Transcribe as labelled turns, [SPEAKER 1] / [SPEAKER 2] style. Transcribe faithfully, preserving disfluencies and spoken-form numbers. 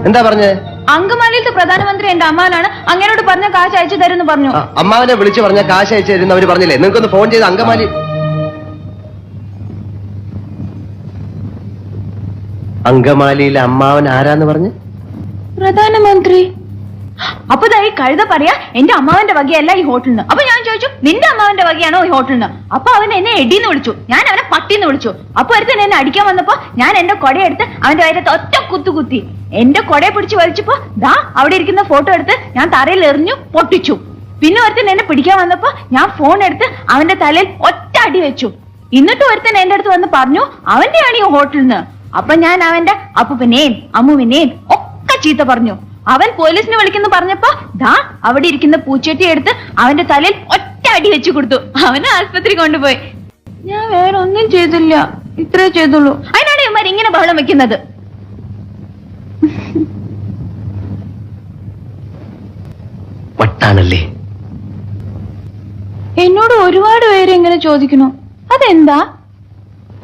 [SPEAKER 1] എന്താ പറഞ്ഞേ?
[SPEAKER 2] അങ്കമാലിയിലത്തെ പ്രധാനമന്ത്രി എന്റെ അമ്മാവനാണ്, അങ്ങനോട് പറഞ്ഞ കാശ് അയച്ചു തരുമെന്ന് പറഞ്ഞു.
[SPEAKER 1] അമ്മാവനെ വിളിച്ചു പറഞ്ഞ കാശ് അയച്ചു തരുന്ന അവര് പറഞ്ഞില്ലേ? നിങ്ങൾക്കൊന്ന് ഫോൺ ചെയ്ത് അങ്കമാലി അങ്കമാലിയിലെ അമ്മാവൻ ആരാന്ന് പറഞ്ഞ്?
[SPEAKER 2] പ്രധാനമന്ത്രി. അപ്പൊ ഈ കഴുത പറയാ എന്റെ അമ്മാവന്റെ വകയല്ല ഈ ഹോട്ടലിന്. അപ്പൊ ഞാൻ ചോദിച്ചു നിന്റെ അമ്മാവന്റെ വകയാണോ ഈ ഹോട്ടലിന്? അപ്പൊ അവൻ എന്നെ എടിന്ന് വിളിച്ചു, ഞാൻ അവനെ പട്ടിന്ന് വിളിച്ചു. അപ്പൊ ഒരുത്തൻ എന്നെ അടിക്കാൻ വന്നപ്പോ ഞാൻ എന്റെ കൊടയെടുത്ത് അവന്റെ വയറ്റത്ത് ഒറ്റ കുത്തു കുത്തി. എന്റെ കൊടയെ പിടിച്ച് വലിച്ചപ്പോ ദാ അവിടെ ഇരിക്കുന്ന ഫോട്ടോ എടുത്ത് ഞാൻ തറയിൽ എറിഞ്ഞു പൊട്ടിച്ചു. പിന്നെ ഒരുത്തൻ എന്നെ പിടിക്കാൻ വന്നപ്പോ ഞാൻ ഫോൺ എടുത്ത് അവന്റെ തലയിൽ ഒറ്റ അടി വെച്ചു. എന്നിട്ട് ഒരുത്തൻ എന്റെ അടുത്ത് വന്ന് പറഞ്ഞു അവന്റെയാണ് ഈ ഹോട്ടലിന്. അപ്പൊ ഞാൻ അവന്റെ അപ്പൂപ്പനെയും അമ്മുവിനെയും ഒക്കെ ചീത്ത പറഞ്ഞു. അവൻ പോലീസിനെ വിളിക്കുന്നു പറഞ്ഞപ്പോ ദാ അവിടെ ഇരിക്കുന്ന പൂച്ചട്ടി എടുത്ത് അവന്റെ തലയിൽ ഒറ്റ അടി വെച്ചു കൊടുത്തു. അവനെ ആസ്പത്രി കൊണ്ടുപോയി. ഞാൻ വേറെ ഒന്നും ചെയ്തില്ല, ഇത്രേ ചെയ്തുള്ളൂ. അതിനാണ് ഇവന്മാർ ഇങ്ങനെ ബഹളം വെക്കുന്നത്.
[SPEAKER 1] വട്ടാണല്ലേ?
[SPEAKER 2] എന്നോട് ഒരുപാട് പേര് ഇങ്ങനെ ചോദിക്കുന്നു, അതെന്താ?